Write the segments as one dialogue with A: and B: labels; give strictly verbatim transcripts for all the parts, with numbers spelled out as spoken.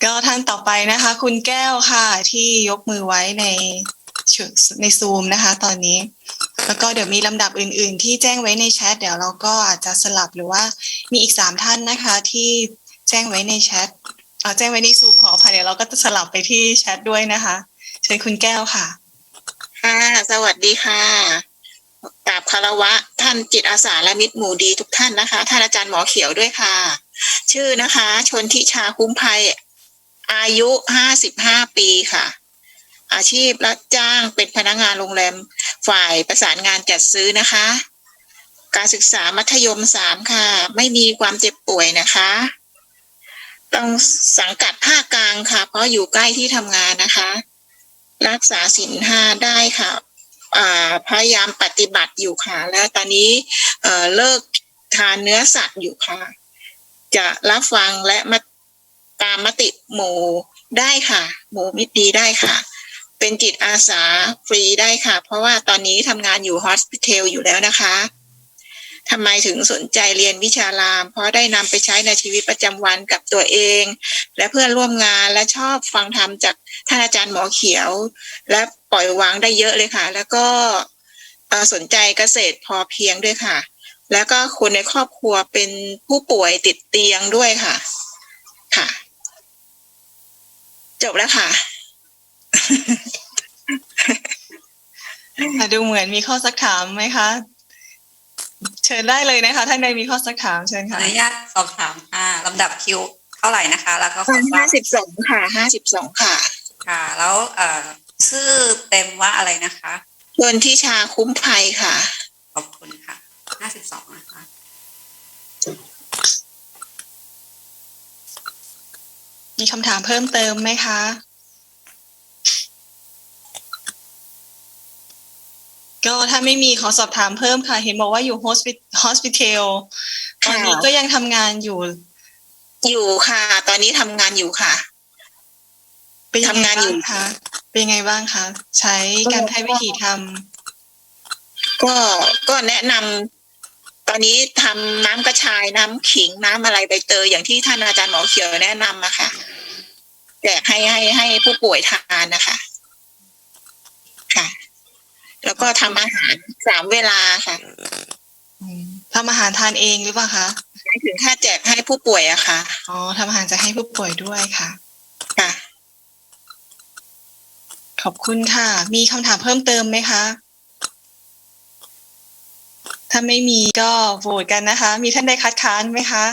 A: ก็ท่านต่อไปนะคะคุณแก้วค่ะที่ยกมือไว้ในในซูมนะคะตอนนี้แล้วก็เดี๋ยวมีลำดับอื่นๆที่แจ้งไว้ในแชทเดี๋ยวเราก็อาจจะสลับหรือว่ามีอีกสามท่านนะคะที่แจ้งไว้ในแชทเอ่อแจ้งไว้ในซูมขออภัยเดี๋ยวเราก็จะสลับไปที่แชทด้วยนะคะเชิญคุณแก้วค่ะ
B: ค่ะสวัสดีค่ะกราบคารวะท่านจิตอาสาและมิตรหมู่ดีทุกท่านนะคะท่านอาจารย์หมอเขียวด้วยค่ะชื่อนะคะชนทิชาคุ้มภัยอายุห้าสิบห้าปีค่ะอาชีพรับจ้างเป็นพนักงานโรงแรมฝ่ายประสานงานจัดซื้อนะคะการศึกษามัธยมสามค่ะไม่มีความเจ็บป่วยนะคะต้องสังกัดภาคกลางค่ะเพราะอยู่ใกล้ที่ทำงานนะคะรักษาศีลห้าได้ค่ะพยายามปฏิบัติอยู่ค่ะและตอนนี้เอ่อเลิกทานเนื้อสัตว์อยู่ค่ะจะรับฟังและมาตามมติหมู่ได้ค่ะหมู่มิตรดีได้ค่ะเป็นจิตอาสาฟรีได้ค่ะเพราะว่าตอนนี้ทำงานอยู่ฮอสพิทอลอยู่แล้วนะคะทำไมถึงสนใจเรียนวิชารามเพราะได้นำไปใช้ในชีวิตประจำวันกับตัวเองและเพื่อนร่วมงานและชอบฟังธรรมจากท่านอาจารย์หมอเขียวและปล่อยวางได้เยอะเลยค่ะแล้วก็สนใจเกษตรพอเพียงด้วยค่ะแล้วก็คนในครอบครัวเป็นผู้ป่วยติดเตียงด้วยค่ะค่ะจบแล้วค่ะ
A: ดูเหมือนมีข้อสักถามไหมคะเชิญได้เลยนะคะท่านใดมีข้อสักถามเชิญค่ะ
C: อนุญาตสอบถามค่ะลำดับคิวเท่าไหร่นะคะแล้วก็ขอ
B: ห้าสิบสองค่ะห้าสิบสองค่ะ
C: ค่ะแล้วเอ่อชื่อเต็มว่าอะไรนะคะ
B: ชนทิชาคุ้มภัยค่ะ
C: ขอบคุณค่ะห้าสิบสองนะคะ
A: มีคำถามเพิ่มเติมไหมคะก็ถ้าไม่มีขอสอบถามเพิ่มค่ะเห็นบอกว่าอยู่โฮสพิทอลตอนนี้ก็ยังทำงานอยู่
B: อยู่ค่ะตอนนี้ทำงานอยู่ค่ะ
A: ทำงานอยู่ค่ะเป็นยังไงบ้างคะใช้การแพทย์วิถีท
B: ำก็ก็แนะนำตอนนี้ทำน้ำกระชายน้ำขิงน้ำอะไรใบเตยอย่างที่ท่านอาจารย์หมอเขียวแนะนำอะค่ะแจกให้ให้ให้ผู้ป่วยทานนะคะค่ะแล้วก็ทำอาหารสามเวลาค่ะ
A: ทำอาหารทานเองหรือเปล่าคะ
B: หมายถึงค่าแจกให้ผู้ป่วยอะค่ะ
A: อ๋อทำอาหารจะให้ผู้ป่วยด้วยค่ะ
B: ค่ะ
A: ขอบคุณค่ะมีคำถามเพิ่มเติมไหมคะถ้าไม่มีก็โหวตกันนะคะมีท่านใดคัดค้านไหมคะ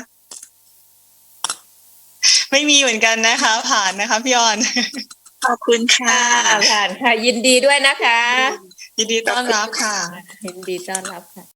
A: ไม่มีเหมือนกันนะคะผ่านนะคะพี่ออน
B: ขอบคุณค่ะ
D: ผ่านค่ะยินดีด้วยนะคะ
A: ยินดีต้อนรับค่ะ
D: ยินดีต้อนรับค่ะ